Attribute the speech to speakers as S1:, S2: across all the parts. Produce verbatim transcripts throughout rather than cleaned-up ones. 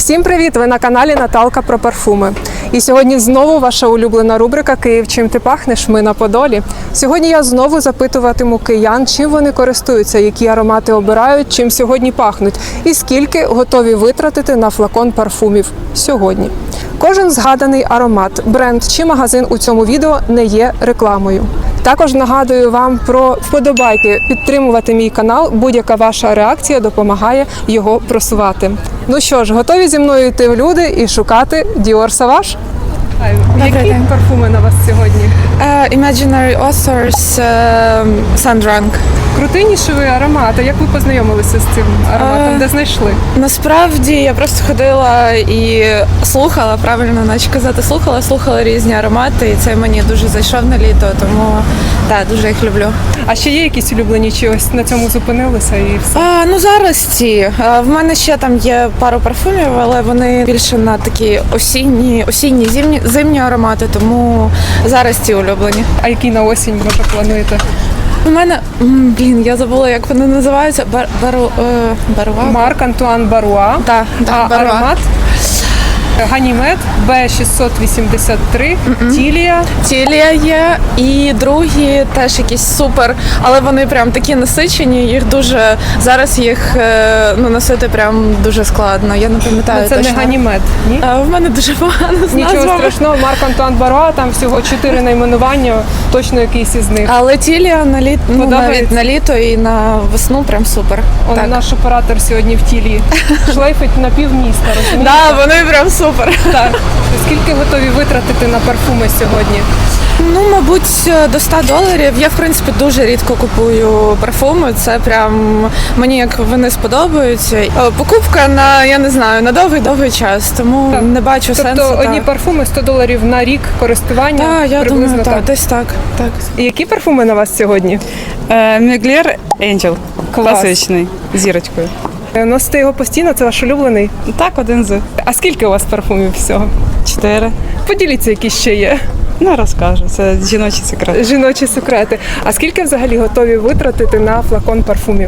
S1: Всім привіт! Ви на каналі Наталка про парфуми. І сьогодні знову ваша улюблена рубрика «Київ. Чим ти пахнеш? Ми на Подолі». Сьогодні я знову запитуватиму киян, чим вони користуються, які аромати обирають, чим сьогодні пахнуть і скільки готові витратити на флакон парфумів сьогодні. Кожен згаданий аромат, бренд чи магазин у цьому відео не є рекламою. Також нагадую вам про вподобайки, підтримувати мій канал. Будь-яка ваша реакція допомагає його просувати. Ну що ж, готові зі мною йти в люди і шукати Dior Sauvage? Які
S2: день.
S1: парфуми на вас сьогодні?
S2: Uh, Imaginary Authors uh, Sandrank.
S1: Крутий нішевий аромат. А як ви познайомилися з цим ароматом?
S2: Е,
S1: Де знайшли?
S2: Насправді я просто ходила і слухала, правильно наче казати, слухала, слухала різні аромати, і це мені дуже зайшов на літо, тому так, дуже їх люблю.
S1: А ще є якісь улюблені, чи ось на цьому зупинилися і все?
S2: А, ну зараз ці. А, в мене ще там є пару парфумів, але вони більше на такі осінні, осінні, зимні, зимні аромати, тому зараз ці улюблені.
S1: А який на осінь, може, плануєте?
S2: У мене, м, блін, я забула, як вони називаються. Бар, бару, е, баруа?
S1: Марк Антуан Баруа.
S2: Да, да,
S1: А
S2: Баруа.
S1: аромат? Ганімед Б шістсот вісімдесят три, Тілія.
S2: Тілія є, і другі теж якісь супер, але вони прям такі насичені, їх дуже, зараз їх е, ну, носити прям дуже складно, я не пам'ятаю
S1: Ну, це
S2: точно.
S1: не Ганімед, ні?
S2: А, в мене дуже погано з
S1: Нічого
S2: назвами.
S1: страшного, Марк Антуан Баруа, там всього чотири найменування, точно якийсь із них.
S2: Але Тілія на літо, ну,
S1: Подобається?
S2: навіть на літо і на весну прям супер.
S1: Он
S2: Так.
S1: наш оператор сьогодні в тілі шлейфить на півміста, розумієте?
S2: Да, вони прям супер.
S1: Так. Скільки готові витратити на парфуми сьогодні?
S2: Ну, мабуть, до ста доларів. Я, в принципі, дуже рідко купую парфуми. Це прям мені як вони сподобаються. Е, Покупка на, я не знаю, на довгий-довгий час, тому
S1: Так.
S2: не бачу
S1: Тобто
S2: сенсу.
S1: одні
S2: так.
S1: парфуми сто доларів на рік користування?
S2: Так, я
S1: приблизно
S2: думаю, так, десь так. так.
S1: І які парфуми на вас сьогодні?
S3: Мюглер Angel.
S1: Клас.
S3: Класичний, з зірочкою.
S1: Носите його постійно, це ваш улюблений?
S3: Так, один з
S1: А скільки у вас парфумів всього?
S3: чотири.
S1: Поділіться, які ще є.
S3: Не розкажу, це жіночий секрет.
S1: Жіночі секрети. А скільки взагалі готові витратити на флакон парфумів?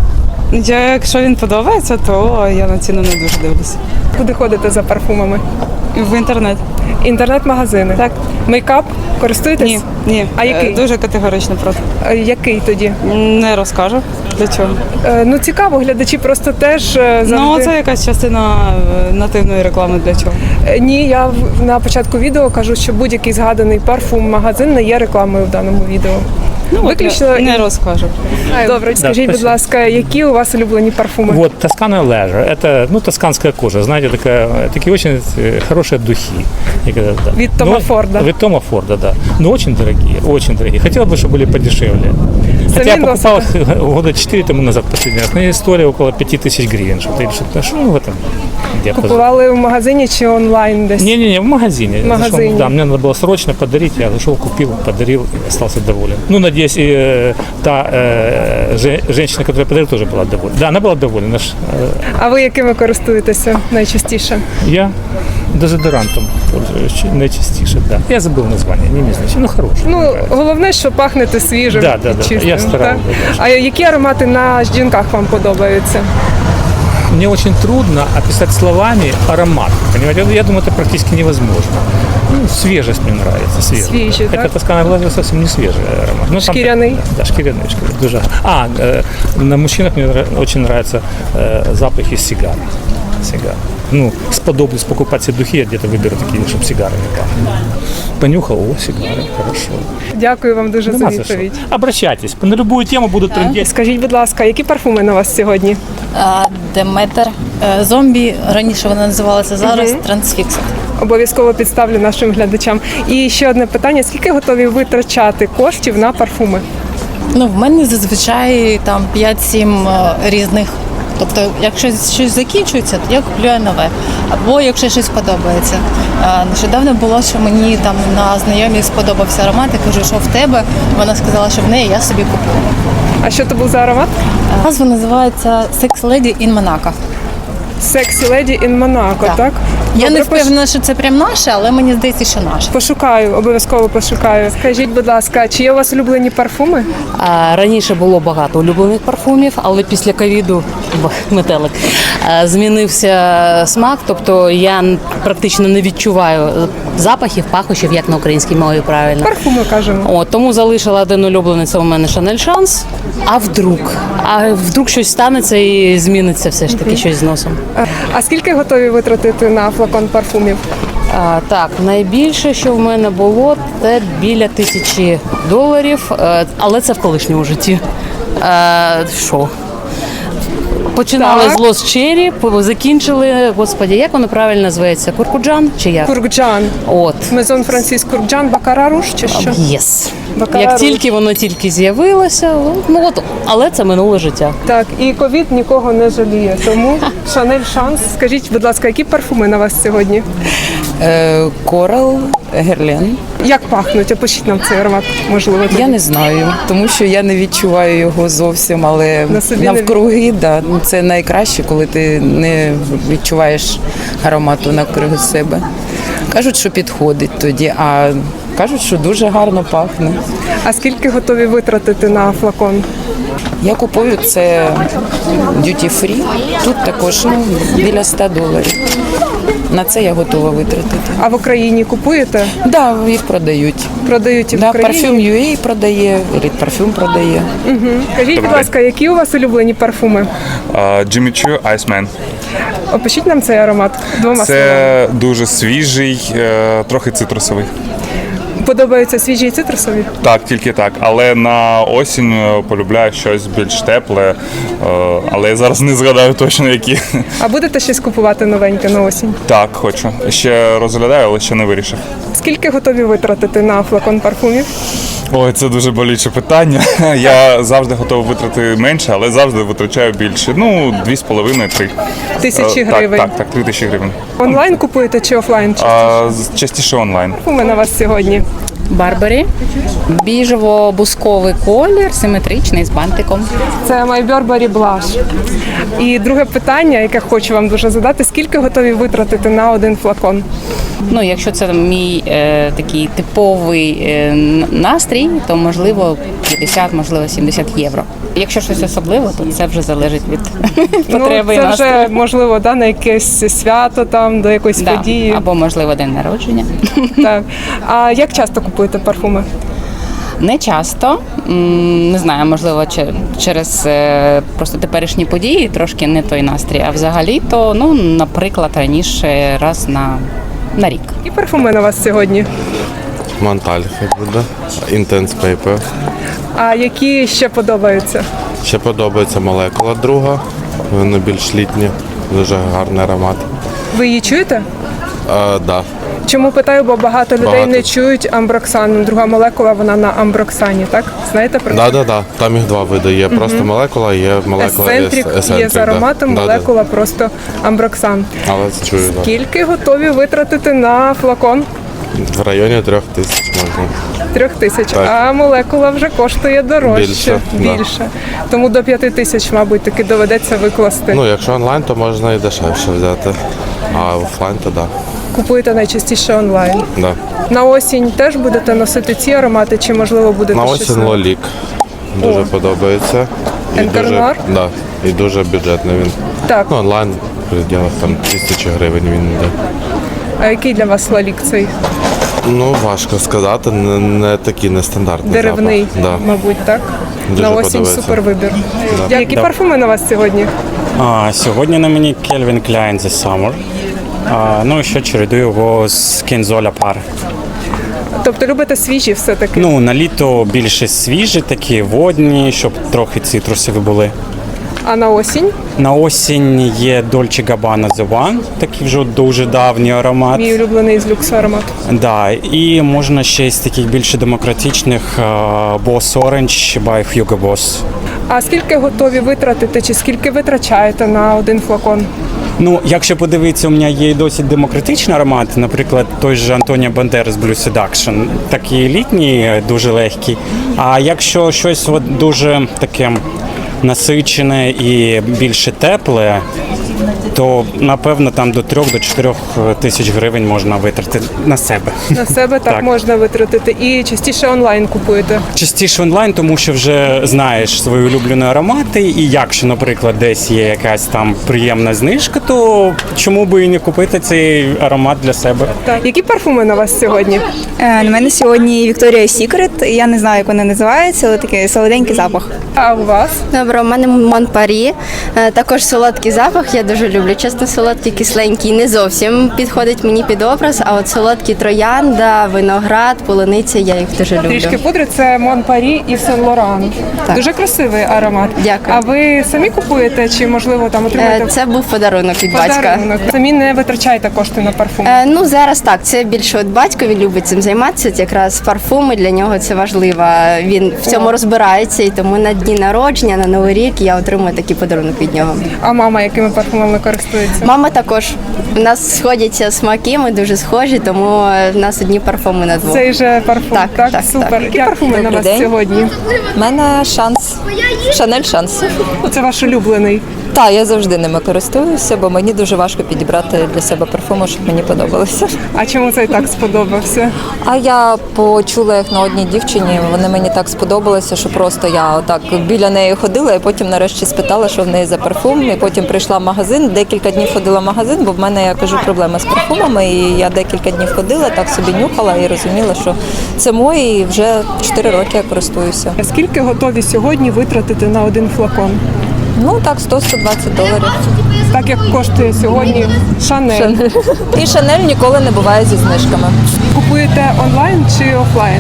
S3: Я, якщо він подобається, то я на ціну не дуже дивлюся.
S1: Куди ходите за парфумами?
S3: В інтернет.
S1: Інтернет-магазини?
S3: Так.
S1: Мейкап? Користуєтесь?
S3: Ні, ні.
S1: А який?
S3: Е, Дуже категорично проти.
S1: А який тоді?
S3: Не розкажу. Для чого?
S1: Е, Ну цікаво, глядачі просто теж е, завжди...
S3: Ну, це якась частина е, нативної реклами для чого.
S1: Е, Ні, я в- на початку відео кажу, що будь-який згаданий парфум-магазин не є рекламою в даному відео.
S3: Ну,
S1: Виключно
S3: от, не
S1: і-
S3: розкажу.
S1: Добре, скажіть, будь
S4: спасибо.
S1: ласка, які у вас улюблені парфуми?
S4: Вот, Тоскана Leisure. Это, ну, тосканская кожа, знаете, такая, такие очень э, хорошие духи. И когда- да.
S1: Вид Тома
S4: Но-
S1: Форда.
S4: Вид Тома Форда, да. Но очень дорогие, очень дорогие. Хотела бы, чтобы были подешевле. Хотя я покупал
S1: носите?
S4: их года четыре тому назад последний раз. Но стоили около пяти тысяч гривен. Что-то, или что-то, что ну, в этом диапазоне.
S1: Купували в магазині чи онлайн десь?
S4: Не-не-не, в магазине.
S1: В магазине.
S4: Зашел, да, мне надо было срочно подарить, я зашел, купил, подарил и остался доволен. Ну, надеюсь, и э, та э, же- женщина, которая подарила, тоже была довольна. Да, она была довольна. Наш, э,
S1: А ви якими користуєтеся найчастіше?
S4: я дезодорантом пользуюсь чи- найчастіше, да. Я забыл название, не имеет значения. Ну, хороший.
S1: Ну,
S4: мне нравится.
S1: головне, що пахнете свіжим
S4: Да, да,
S1: і
S4: да,
S1: чистим.
S4: я стараюсь,
S1: так?
S4: да, да.
S1: А які аромати на жінках вам подобаються?
S4: Мне очень трудно описать словами аромат. Понимаете, я думаю, это практически невозможно. Ну, свежесть мне нравится, свежесть.
S1: Свежий,
S4: Хотя
S1: так?
S4: Тоскана Глазия совсем не свежий аромат. Ну, там-
S1: Шкіряний?
S4: Да, шкиряный. шкиряный, дуже. А, э, на мужчинах мне нра- очень нравятся э, запахи сигар. Сигар. Ну, сподоблюсь покупать себе духи, я где-то выберу такие, чтобы сигары не пахли. Понюхал, о, сигары, хорошо.
S1: Дякую вам дуже за
S4: Нема за що.
S1: відповідь.
S4: Обращайтесь, на любую тему будут трындеть.
S1: Скажіть, будь ласка, які парфуми на вас сьогодні?
S5: А, Деметр, е, зомбі, раніше вона називалася, зараз
S1: Мгм.
S5: Трансфіксит.
S1: Обов'язково підставлю нашим глядачам. І ще одне питання: скільки готові витрачати коштів на парфуми?
S5: Ну, в мене зазвичай там п'ять-сім е, різних. Тобто, якщо щось закінчується, то я купую нове. Або якщо щось подобається. Е, Нещодавно було, що мені там на знайомій сподобався аромат, я кажу, що в тебе. Вона сказала, що в неї, я собі куплю.
S1: А що то був за аромат?
S5: Назва називається Sex Lady in Monaco.
S1: Sexy Lady in Monaco, так?
S5: Так. Я
S1: Добре,
S5: не
S1: пош-
S5: впевнена, що це прям наше, але мені здається, що наше.
S1: Пошукаю, обов'язково пошукаю. Скажіть, будь ласка, чи є у вас улюблені парфуми?
S6: А, Раніше було багато улюблених парфумів, але після ковіду б, метелик а, змінився смак. Тобто я н- практично не відчуваю запахів, пахощів, як на українській мові правильно.
S1: Парфуми кажемо.
S6: От, тому залишила один улюблений, це у мене Шанель Шанс. А вдруг? А вдруг щось станеться і зміниться все ж таки щось з носом.
S1: А скільки готові витратити на флакон парфумів?
S6: А, так, найбільше, що в мене було, це біля тисячі доларів, е, але це в колишньому житті. Е, Що? Починали
S1: Так.
S6: з Лос Черрі, по- закінчили, господі, як воно правильно називається? Куркуджан чи як?
S1: Куркджан.
S6: От.
S1: Мезон Франсіс Куркджан, Бакара Руж чи що?
S6: Єс.
S1: Бакара
S6: Як
S1: Руж.
S6: тільки воно тільки з'явилося, ну от, але це минуле життя.
S1: Так, і ковід нікого не жаліє. Тому Шанель Шанс. Скажіть, будь ласка, які парфуми на вас сьогодні?
S7: Корал, Герлен.
S1: Як пахнуть? Опишіть нам цей аромат, можливо.
S7: Я
S1: тоді.
S7: не знаю, тому що я не відчуваю його зовсім, але
S1: На собі не
S7: навкруги, да, ну, це найкраще, коли ти не відчуваєш аромату навкруги себе. Кажуть, що підходить тоді, а кажуть, що дуже гарно пахне.
S1: А скільки готові витратити на флакон?
S7: Я купую це duty free, тут також ну, біля ста доларів. На це я готова витратити.
S1: А в Україні купуєте?
S7: Так, да, їх продають.
S1: Продають і в
S7: Да,
S1: Україні?
S7: парфюм ю ей продає, Elite парфюм продає.
S1: Скажіть, будь ласка, які у вас улюблені парфуми?
S8: Джиммі Чу Iceman.
S1: Опишіть нам цей аромат двома словами.
S8: Це дуже свіжий, е, трохи цитрусовий.
S1: Подобаються свіжі і цитрусові?
S8: Так, тільки так. Але на осінь е, полюбляю щось більш тепле. е, Але я зараз не згадаю точно які.
S1: А будете щось купувати новеньке на осінь?
S8: Так, хочу. Ще розглядаю, але ще не вирішив.
S1: Скільки готові витратити на флакон парфумів?
S8: Ой, це дуже болюче питання. Я завжди готовий витратити менше, але завжди витрачаю більше. Ну, дві з половиною, три.
S1: Тисячі
S8: Е,
S1: гривень.
S8: Так, так, так, три тисячі гривень.
S1: Онлайн купуєте чи офлайн?
S8: А, з- частіше онлайн.
S1: Парфуми на вас сьогодні.
S5: Барбарі. Біжево-бусковий колір, симетричний з бантиком.
S1: Це My Burberry Blush. І друге питання, яке хочу вам дуже задати: скільки готові витратити на один флакон?
S5: Ну, якщо це мій е, такий типовий е, н- настрій, то можливо п'ятдесят, можливо сімдесят євро. Якщо щось особливе, то це вже залежить від потреби і
S1: ну, це
S5: настрою.
S1: вже можливо да, на якесь свято, там до якоїсь
S5: Да.
S1: події.
S5: Або можливо день народження.
S1: Так. А як часто купуєте парфуми?
S5: Не часто, М, не знаю, можливо, че- через е, просто теперішні події трошки не той настрій. А взагалі, то ну, наприклад, раніше раз на, на рік.
S1: Які парфуми на вас сьогодні?
S9: Монталь хай буде. Intense Paper.
S1: А які ще подобаються?
S9: Ще подобається молекула друга. Вони більш літні, дуже гарний аромат.
S1: Ви її чуєте?
S9: А, да.
S1: Чому питаю, бо багато людей
S9: Багато.
S1: не чують амброксан. Друга молекула, вона на амброксані, так? Знаєте про це?
S9: Да, да, да. Там їх два види. Є просто молекула, є молекула
S1: Есцентрик
S9: ес-
S1: є з
S9: да.
S1: ароматом,
S9: Да, да.
S1: молекула просто амброксан.
S9: Але це чую, да.
S1: Скільки готові витратити на флакон?
S9: В районі трьох тисяч можна.
S1: Трьох тисяч.
S9: Так.
S1: А молекула вже коштує дорожче.
S9: Більше, да.
S1: Більше. Тому до п'яти тисяч, мабуть, таки доведеться викласти.
S9: Ну, якщо онлайн, то можна і дешевше взяти. А офлайн, то да.
S1: Купуєте найчастіше онлайн.
S9: да.
S1: На осінь теж будете носити ці аромати, чи можливо будете
S9: На
S1: щось
S9: осінь
S1: нове?
S9: лолік. Дуже
S1: О.
S9: подобається. І
S1: Енкер
S9: дуже,
S1: Нуар?
S9: да, і дуже бюджетний він.
S1: Так.
S9: Ну, онлайн в пределах там тисячі гривень він йде.
S1: А який для вас лалік цей?
S9: Ну, важко сказати, не, не такий нестандартний
S1: Деревний,
S9: запах. Да.
S1: мабуть, так?
S9: Дуже
S1: на осінь
S9: подобається.
S1: супер вибір.
S9: Да.
S1: Які
S10: Да.
S1: парфуми на вас сьогодні?
S10: А, сьогодні на мені Calvin Klein The Summer. А, ну і ще чередую його з Kenzola Par.
S1: Тобто любите свіжі все-таки?
S10: Ну, на літо більше свіжі, такі водні, щоб трохи цитрусові були.
S1: А на осінь?
S10: На осінь є Dolce Gabbana The One, такий вже дуже давній аромат.
S1: Мій улюблений з люксу аромат.
S10: Да, і можна ще з таких більше демократичних а, Boss Orange by Hugo Boss.
S1: А скільки готові витратити, чи скільки витрачаєте на один флакон?
S10: Ну, якщо подивитися, у мене є і досить демократичний аромат, наприклад, той же Антоніо Бандерас Blue Seduction, такий літній, дуже легкий. А якщо щось от дуже таке насичене і більше тепле, то напевно там до трьох до чотирьох тисяч гривень можна витратити на себе.
S1: На себе так,
S10: Так.
S1: можна витратити. І частіше онлайн купуєте.
S10: Частіше онлайн, тому що вже знаєш свої улюблені аромати, і якщо, наприклад, десь є якась там приємна знижка, то чому би і не купити цей аромат для себе?
S1: Так. Які парфуми на вас сьогодні?
S11: Е, На мене сьогодні Victoria's Secret. Я не знаю, як вона називається, але такий солоденький запах.
S1: А у вас?
S12: Добре, у мене Мон Парі. Е, Також солодкий запах. Я дуже люблю. Чесно, солодкий, кисленький не зовсім підходить мені під образ. А от солодкі троянда, виноград, полуниця, я їх дуже люблю.
S1: Трішки пудри це Мон Парі і Сен Лоран.
S12: Так.
S1: Дуже красивий аромат.
S12: Дякую.
S1: А ви самі купуєте чи можливо там
S12: Е,
S1: отримуєте
S12: Це був подарунок від батька.
S1: подарунок? Самі не витрачаєте кошти на парфум.
S12: Е, Ну зараз так. Це більше от батько він любить цим займатися. От якраз парфуми для нього це важливо. Він в цьому розбирається, і тому на дні народження, на новий рік я отримую такий подарунок від нього.
S1: А мама якими парфумами користується?
S12: Мама також. У нас сходяться смаки, ми дуже схожі, тому е, в нас одні парфуми на двох.
S1: Цей же парфум.
S12: Так,
S1: Так,
S12: так,
S1: супер.
S12: так.
S1: Які парфуми на
S11: Добрий
S1: вас
S11: день.
S1: сьогодні?
S11: У мене шанс. Шанель шанс.
S1: Це ваш улюблений.
S11: Так, я завжди ними користуюся, бо мені дуже важко підібрати для себе парфуми, щоб мені подобалося.
S1: А чому цей так сподобався?
S11: А я почула їх на одній дівчині. Вони мені так сподобалися, що просто я отак біля неї ходила, і потім нарешті спитала, що в неї за парфум. І потім прийшла в магазин. Декілька днів ходила в магазин, бо в мене, я кажу, проблема з парфумами. І я декілька днів ходила, так собі нюхала і розуміла, що це мої, і вже чотири роки я користуюся.
S1: А скільки готові сьогодні витратити на один флакон?
S11: Ну так, сто - сто двадцять доларів.
S1: Так як коштує сьогодні Шанель.
S11: І Шанель ніколи не буває зі знижками.
S1: Купуєте онлайн чи офлайн?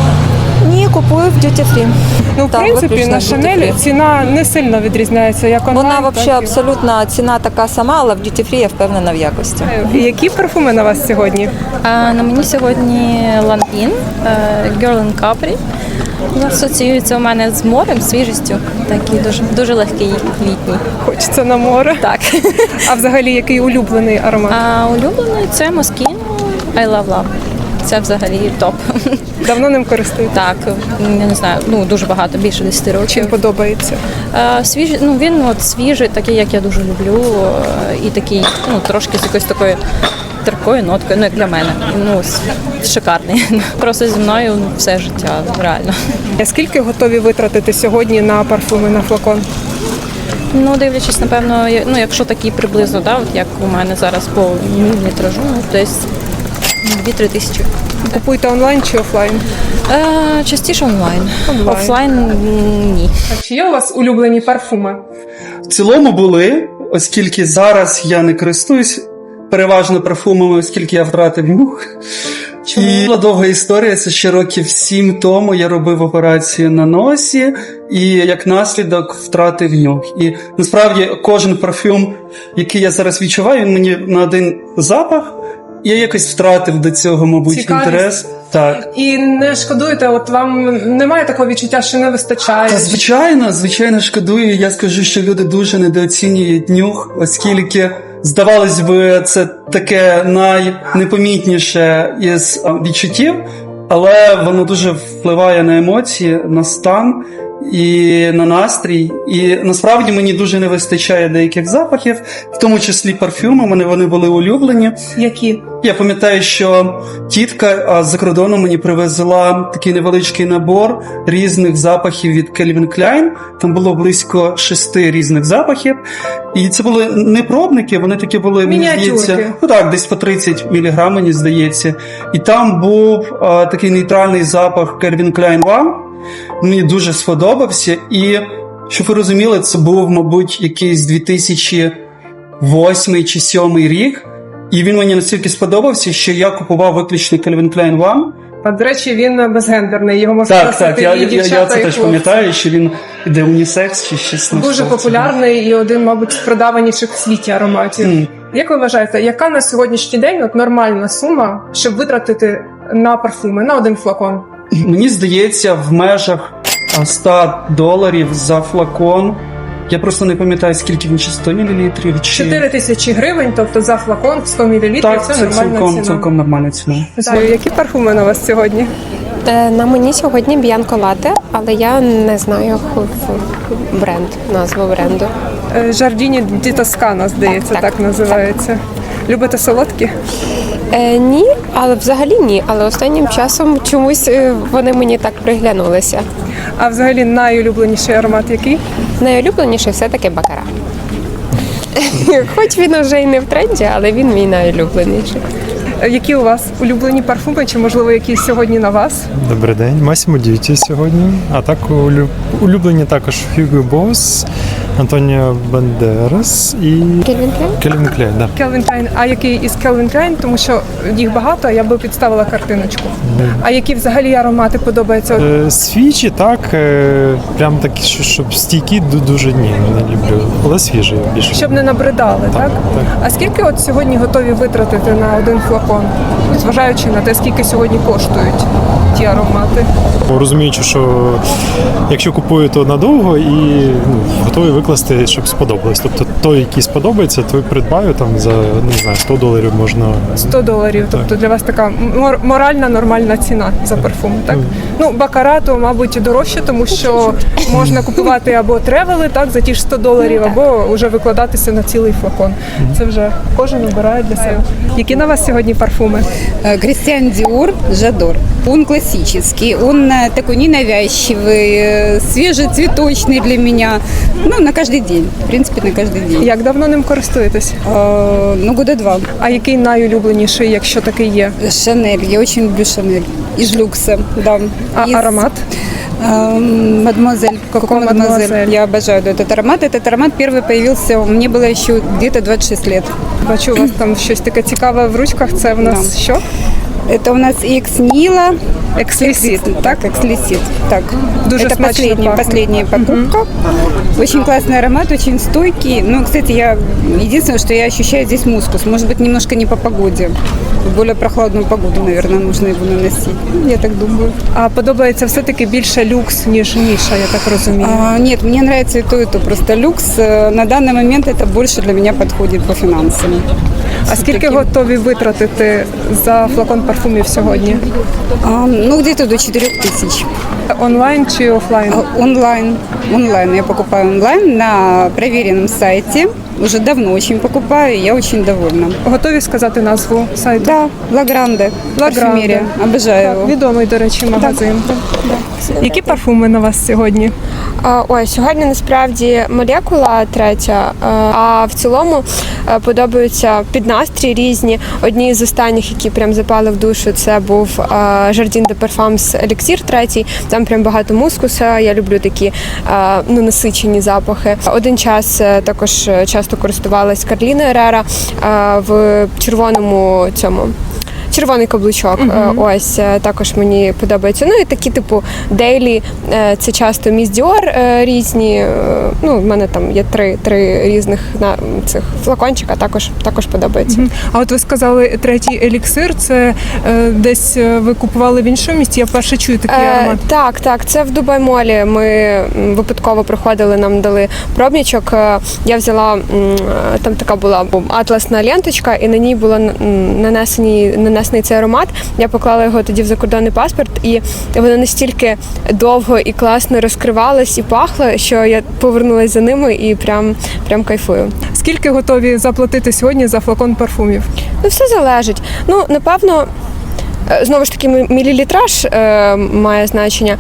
S11: Ні, купую в Duty Free.
S1: Ну, в
S11: Так,
S1: принципі,
S11: виключно
S1: на
S11: в Duty
S1: Шанель
S11: Free.
S1: ціна не сильно відрізняється, як онлайн.
S11: Вона
S1: так
S11: взагалі
S1: і-
S11: абсолютно ціна така сама, але в Duty Free я впевнена в якості.
S1: І які парфуми на вас сьогодні?
S13: А, на мені сьогодні Lanvin, е, Girl in Capri. Асоціюється у мене з морем, свіжістю. Такий дуже, дуже легкий літній.
S1: Хочеться на море.
S13: Так.
S1: А взагалі, який улюблений аромат?
S13: А улюблений це Moschino I Love Love. Це взагалі топ.
S1: Давно ним користуєтесь?
S13: Так, я не знаю, ну дуже багато, більше десяти років.
S1: Чим подобається?
S13: А, свіжий, ну він от свіжий, такий, як я дуже люблю, е, і такий, ну трошки з якоюсь такою терпкою ноткою, ну як для мене. Ну с- шикарний. Просто зі мною все життя, реально.
S1: А скільки готові витратити сьогодні на парфуми, на флакон?
S13: Ну, дивлячись, напевно, я- ну якщо такі приблизно, да, от як у мене зараз по мілілітражу, ну десь дві-три тисячі.
S1: Купуєте онлайн чи офлайн?
S13: Е, частіше онлайн.
S1: Онлайн.
S13: Офлайн м, ні.
S1: А чи є у вас улюблені парфуми?
S14: В цілому були, оскільки зараз я не користуюсь переважно парфумами, оскільки я втратив нюх. І була довга історія, це ще років сім тому я робив операцію на носі і як наслідок втратив нюх. І насправді кожен парфюм, який я зараз відчуваю, він мені на один запах. Я якось втратив до цього, мабуть,
S1: Цікавість.
S14: інтерес. Так.
S1: І не шкодуєте, от вам немає такого відчуття, що не вистачає?
S14: Та звичайно, звичайно, шкодую. Я скажу, що люди дуже недооцінюють нюх, оскільки, здавалось би, це таке найнепомітніше із а, відчуттів, але воно дуже впливає на емоції, на стан і на настрій. І насправді мені дуже не вистачає деяких запахів, в тому числі парфюми. Мене вони були улюблені.
S1: Які?
S14: Я пам'ятаю, що тітка а, з-за кордону мені привезла такий невеличкий набор різних запахів від Calvin Klein. Там було близько шести різних запахів. І це були не пробники, вони такі були, мені
S1: Мініатюрки.
S14: здається, ну так, десь по тридцять міліграм, мені здається. І там був а, такий нейтральний запах Calvin Klein One. Мені дуже сподобався. І, щоб ви розуміли, це був, мабуть, якийсь дві тисячі восьмий чи сьомий рік. І він мені настільки сподобався, що я купував виключно Calvin Klein One.
S1: А, до речі, він безгендерний, його можна
S14: Так,
S1: носити
S14: так, я,
S1: і
S14: я,
S1: дівчата,
S14: я це
S1: і
S14: теж
S1: хлопці.
S14: пам'ятаю, що він іде унісекс чи щось на
S1: Дуже
S14: кшталт
S1: популярний і один, мабуть, з продаваніших в світі ароматів.
S14: Мгм.
S1: Як ви вважаєте, яка на сьогоднішній день от нормальна сума, щоб витратити на парфуми, на один флакон?
S14: цього. Мені здається, в межах а, сто доларів за флакон. Я просто не пам'ятаю, скільки він, чи сто мілілітрів, чи...
S1: чотири тисячі гривень, тобто за флакон в сто мілілітрів,
S14: Так,
S1: це
S14: це
S1: нормальна
S14: цілком,
S1: ціна.
S14: цілком нормальна ціна.
S1: Так. Які парфуми на вас сьогодні?
S15: На мені сьогодні Б'янко Лате, але я не знаю бренд, назву бренду.
S1: Е, Жардіні ді Тоскана, здається, так,
S15: Так, так,
S1: називається. Любите солодкі?
S15: Е, ні, але взагалі ні. Але останнім часом чомусь е, вони мені так приглянулися.
S1: А взагалі найулюбленіший аромат який?
S15: Найулюбленіший все-таки бакара. Хоч він вже й не в тренді, але він мій найулюбленіший.
S1: Е, Які у вас улюблені парфуми, чи можливо якісь сьогодні на вас?
S16: Добрий день, Massimo Dutti сьогодні. А так улю- улюблені також Hugo Boss, Антоніо Бандерас і
S15: Кельвін Клейн?
S16: Кельвін Клейн. Да.
S1: Calvin Klein. А який із Calvin Klein? Тому що їх багато, а я би підставила картиночку. А які взагалі аромати подобаються?
S16: Е, Свіжі, так, е, прям такі, що- щоб стійкі, ду- дуже ні, не люблю. Але свіжі більше.
S1: Щоб не набридали, так?
S16: так.
S1: А скільки от сьогодні готові витратити на один флакон, зважаючи на те, скільки сьогодні коштують ті аромати?
S16: Розуміючи, що якщо купую, то надовго і ну, готовий викласти, щоб сподобалось. Тобто той, який сподобається, той придбаю там за не знаю, сто доларів можна.
S1: сто доларів, тобто для вас така мор- моральна, нормальна ціна за парфум, так? Ну, бакара, то, мабуть, дорожче, тому що можна купувати або тревели, так, за ті ж сто доларів, або вже викладатися на цілий флакон. Це вже кожен обирає для себе. Які на вас сьогодні парфуми?
S17: Кристиан Диор Жадор. Он классический, он э, такой ненавязчивый, э, свежецветочный для меня. Ну, на каждый день. В принципе, на каждый день.
S1: Як давно ним користуєтесь?
S17: Э, ну, года два.
S1: А який найулюбленіший, якщо такий є?
S17: Шанель. Я очень люблю Шанель. Из люкса, да.
S1: А
S17: Из,
S1: аромат?
S17: э, Мадемуазель.
S1: Какой Мадемуазель?
S17: Я обожаю этот аромат. Этот аромат первый появился, мне было еще где-то двадцать шесть лет.
S1: Бачу, у вас там щось таке цікаве в ручках. Це в нас
S17: Да.
S1: що?
S17: Это у нас Экс Нила.
S1: Экслисит.
S17: Так, Экслисит. Так.
S1: Дуже
S17: это
S1: смачно
S17: последняя,
S1: пахнет.
S17: последняя покупка. Очень классный аромат, очень стойкий. Ну, кстати, я единственное, что я ощущаю здесь мускус. Может быть, немножко не по погоде. В более прохладную погоду, наверное, нужно его наносить. Я так думаю.
S1: А подобається все-таки більше люкс, ніж ніша, я так розумію.
S17: А, нет, мне нравится и то, и то. Просто люкс э, на данный момент это больше для меня подходит по финансам.
S1: А скільки готові витратити за флакон парфумів сьогодні?
S17: А, ну, где-то до четырех тысяч.
S1: Онлайн чи офлайн?
S17: А, Онлайн. Онлайн. Я покупаю онлайн на проверенном сайте. Уже давно очень покупаю, и я очень довольна.
S1: Готові сказати назву сайту?
S17: Да, Лагранде. Парфюмерия. Обожаю
S1: Так,
S17: его.
S1: відомий, до речі, магазин. Які парфуми на вас сьогодні?
S15: А, Ой, сьогодні насправді молекула третя, е, а в цілому е, подобаються під настрій різні. Одні з останніх, які прям запали в душу, це був Jardin de Parfums Еліксір третій. Там прям багато мускуса. Я люблю такі е, ну, насичені запахи. Один час е, також часто користувалась Карліна Ерера е, в червоному цьому. Червоний каблучок,
S1: Мгм.
S15: ось е, також мені подобається. Ну і такі, типу, дейлі, е, це часто Міс Діор е, різні. е, Ну, в мене там є три, три різних на цих флакончика, також також подобається.
S1: Мгм. А от ви сказали третій еліксир, це е, десь е, ви купували в іншому місті? Я вперше чую такий
S15: Е,
S1: аромат.
S15: так, так, це в Дубай-молі. Ми м, випадково приходили, нам дали пробничок. Е, Я взяла м, е, там така була бу- атласна ленточка, і на ній було н- м, нанесені нанесений цей аромат. Я поклала його тоді в закордонний паспорт, і воно настільки довго і класно розкривалось і пахло, що я повернулася за ними і прям прям кайфую.
S1: Скільки готові заплатити сьогодні за флакон парфумів?
S15: Ну, все залежить. Ну, напевно, е, знову ж таки, мі- мілілітраж е, має значення.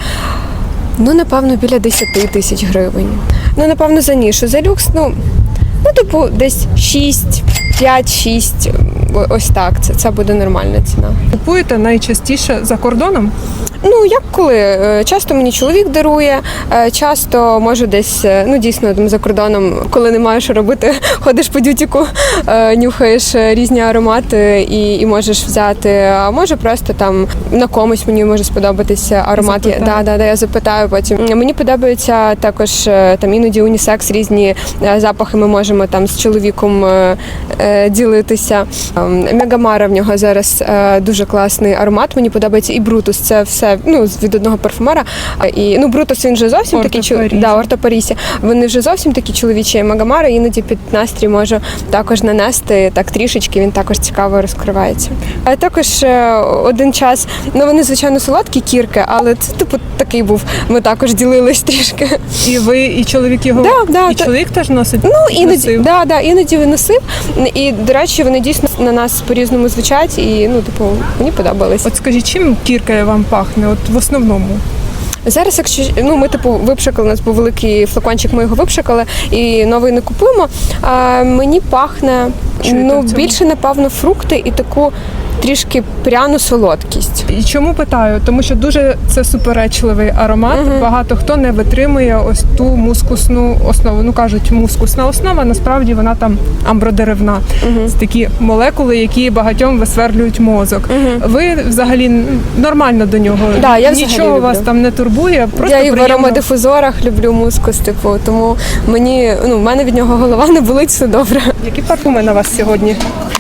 S15: Ну, напевно, біля десять тисяч гривень. Ну, напевно, за нішу. За люкс, ну, ну типу, десь шість, п'ять-шість. Ось так. Це, це буде нормальна ціна.
S1: Купуєте найчастіше за кордоном?
S15: Ну, як коли? Е, Часто мені чоловік дарує, е, часто можу десь, е, ну дійсно там за кордоном, коли немає що робити, ходиш по дютіку, е, нюхаєш е, різні аромати і, і можеш взяти. А може просто там на комусь мені може сподобатися аромат. Я, да, да, да, я запитаю потім. Мені подобаються також е, там іноді унісекс, різні е, запахи ми можемо там з чоловіком е, е, ділитися. Ем, Мегамара в нього зараз е, дуже класний аромат. Мені подобається і Брутус. Це все це ну, від одного парфумера. І, ну, Брутус, він вже зовсім такий чоловічий. Да, Орто Парісі. Вони вже зовсім такі чоловічі. Магамара іноді під настрій можу також нанести, так трішечки, він також цікаво розкривається. А також е, один час, ну вони, звичайно, солодкі кірки, але це, типу, такий був. Ми також ділились трішки.
S1: І ви, і чоловік його,
S15: Да, да,
S1: і
S15: та-
S1: чоловік теж носить?
S15: Ну, іноді,
S1: носив?
S15: да, да, іноді виносив. І, до речі, вони дійсно на нас по-різному звучать, і, ну, типу, мені подобались.
S1: От скажіть, чим кірка вам пахне, от в основному?
S15: Зараз, якщо ну ми типу випшикали, у нас був великий флакончик, ми його випшикали і новий не купуємо. А мені пахне
S1: Чуєте
S15: ну
S1: в цьому?
S15: більше, напевно, фрукти і таку трішки пряну солодкість.
S1: І чому питаю? Тому що дуже це суперечливий аромат. Багато хто не витримує ось ту мускусну основу. Ну кажуть, мускусна основа, насправді вона там амбродеревна. Це такі молекули, які багатьом висверлюють мозок. Ви взагалі нормально до нього.
S15: Да, я взагалі
S1: Нічого вас
S15: люблю.
S1: там не турбує. Просто
S15: Я і в
S1: приємно.
S15: аромадифузорах люблю мускус, типу, тому мені ну в мене від нього голова не болить, все добре.
S1: Які парфуми на вас сьогодні?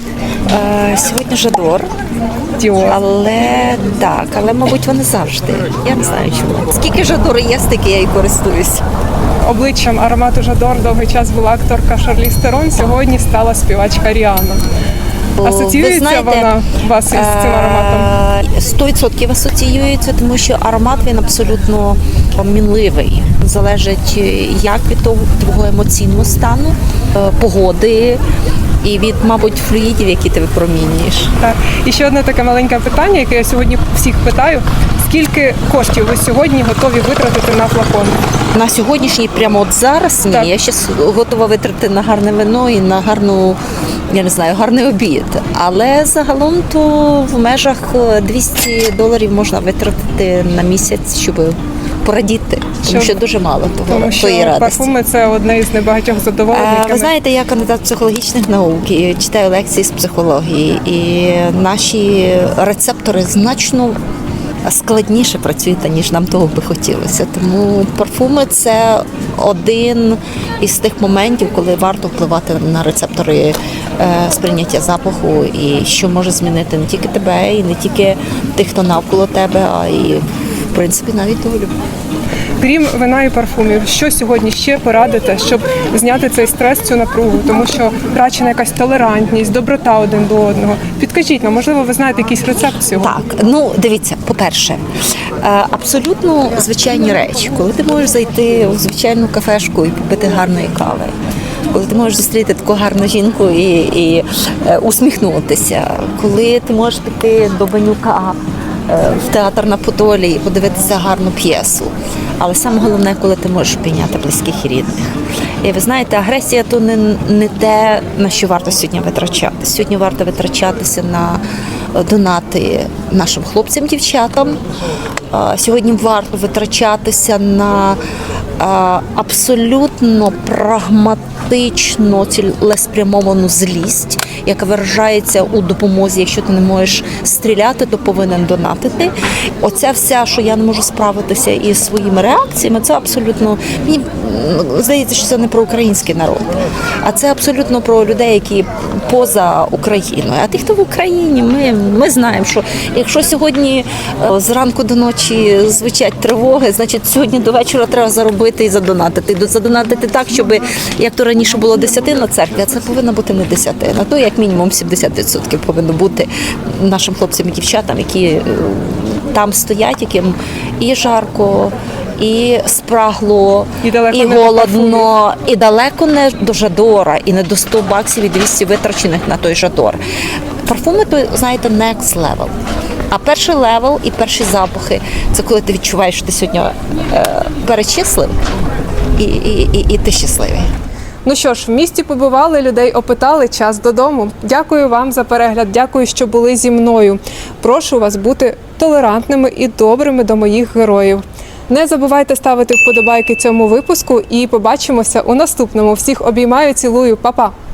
S18: Е, Сьогодні Жадор.
S1: Діор.
S18: Але так, але мабуть вони завжди. Я не знаю чому. Скільки Жадору є, стільки я і користуюсь.
S1: Обличчям аромату Жадор довгий час була акторка Шарліз Терон, сьогодні стала співачка Ріанна. Асоціюється
S18: Ви знаєте,
S1: вона у вас із цим ароматом?
S18: сто відсотків асоціюється, тому що аромат він абсолютно мінливий. Залежить як від того твого емоційного стану, е, погоди і від, мабуть, флюїдів, які ти випромінюєш.
S1: Так. І ще одне таке маленьке питання, яке я сьогодні всіх питаю. Скільки коштів ви сьогодні готові витратити на флакон?
S18: На сьогоднішній, прямо от зараз, ні,
S1: Так.
S18: я ще готова витратити на гарне вино і на гарну, я не знаю, гарний обід. Але загалом то в межах двісті доларів можна витратити на місяць, щоб порадіти. Тому
S1: Що-
S18: що дуже мало того,
S1: Тому що
S18: тої радості.
S1: парфуми це одне із небагатьох задоволень.
S18: Е,
S1: яке
S18: Ви
S1: ми-
S18: знаєте, я кандидат психологічних наук і читаю лекції з психології, і наші рецептори значно складніше працюють, ніж нам того би хотілося. Тому парфуми це один із тих моментів, коли варто впливати на рецептори е, сприйняття запаху, і що може змінити не тільки тебе, і не тільки тих, хто навколо тебе, а і в принципі навіть долю.
S1: Крім вина і парфумів, що сьогодні ще порадите, щоб зняти цей стрес, цю напругу? Тому що втрачена якась толерантність, доброта один до одного. Підкажіть нам, можливо, ви знаєте якийсь рецепт цього?
S18: Так, ну дивіться, по-перше, е, абсолютно звичайні речі, коли ти можеш зайти у звичайну кафешку і попити гарної кави. Коли ти можеш зустріти таку гарну жінку і, і е, усміхнутися, коли ти можеш піти до Банюка е, в театр на Подолі і подивитися гарну п'єсу. Але саме головне, коли ти можеш прийняти близьких і рідних. І ви знаєте, агресія то не, не те, на що варто сьогодні витрачати. Сьогодні варто витрачатися на донати нашим хлопцям, дівчатам. А, Сьогодні варто витрачатися на а, абсолютно прагматичну, цілеспрямовану злість, яка виражається у допомозі. Якщо ти не можеш стріляти, то повинен донатити. Оця вся, що я не можу справитися із своїми реакціями, це абсолютно, мені м, здається, що це не про український народ, а це абсолютно про людей, які поза Україною. А ті, хто в Україні, ми, ми знаємо, що якщо сьогодні е, зранку до ночі звучать тривоги, значить сьогодні до вечора треба заробити і задонатити. До- Задонатити так, щоб, як то раніше було десятина церкви, а це повинна бути не десятина, то як мінімум сімдесят відсотків повинно бути нашим хлопцям і дівчатам, які е, там стоять, яким і жарко, і спрагло,
S1: І далеко
S18: і
S1: не до
S18: голодно, і далеко не до Жадора, і не до сто баксів і двісті витрачених на той Жадор. Парфуми, то, знаєте, next level. А перший левел і перші запахи – це коли ти відчуваєш, що ти сьогодні е, перечислив, і, і, і, і ти щасливий.
S1: Ну що ж, в місті побували, людей опитали, час додому. Дякую вам за перегляд, дякую, що були зі мною. Прошу вас бути толерантними і добрими до моїх героїв. Не забувайте ставити вподобайки цьому випуску і побачимося у наступному. Всіх обіймаю, цілую, па-па!